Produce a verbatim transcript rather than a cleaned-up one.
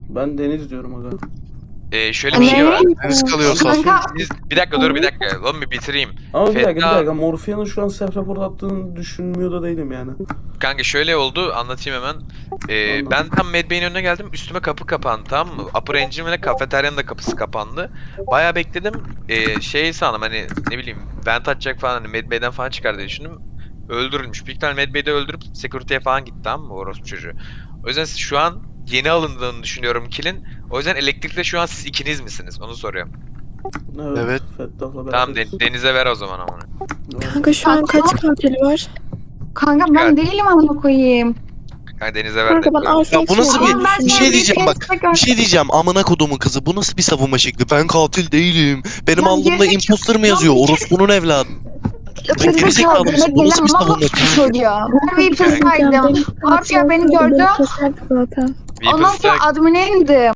Ben Deniz diyorum aga. Ee, şöyle bir şey var. Deniz kalıyorsa. Kanka Siz, bir dakika dur bir dakika. Lan bir bitireyim. Ama bir dakika bir Feda- dakika. Morfia'nın şu an self report attığını düşünmüyor da değilim yani. Kanka şöyle oldu anlatayım hemen. Ee, Anladım. ben tam Medbay'in önüne geldim. Üstüme kapı kapandı tamam mı? Upper Engine ve kafeteryanın da kapısı kapandı. Bayağı bekledim. Ee, şey sandım hani ne bileyim vent atacak falan hani Medbay'den falan çıkar diye düşündüm. Öldürülmüş. Büyük ihtimalle Medbay'de öldürüp security'ye falan gitti tamam mı orospu çocuğu. O yüzden şu an yeni alındığını düşünüyorum kill'in. O yüzden elektrikte şu an siz ikiniz misiniz? Onu soruyorum. Evet. Evet. Fettah'la Tamam beraberiz. de- Deniz'e ver o zaman ama. Evet. Kanka şu an kaç katil var? kanka ben değilim amına koyayım. Kanka Deniz'e ver Kanka ben de. Arsenal'i Ya bu nasıl düşünüyorum. Ama ben bir şu şey an diyeceğim bak. kez tekrar- Bir şey diyeceğim amına kodumun kızı. Bu nasıl bir savunma şekli? Ben katil değilim. Benim Lan alnımda gerizekalı- imposter mı yazıyor? Lan bir- Orospunun evladı. Gerizekalı gerizekalı mısın? demek Bu nasıl bir gelen savunma? mal çocuğa. Ben bir Kanka, saydım. benim Abi ya beni katil gördü. olsaydı beni keserdi zaten. Ondan sonra Weapons'ta admin'e indim.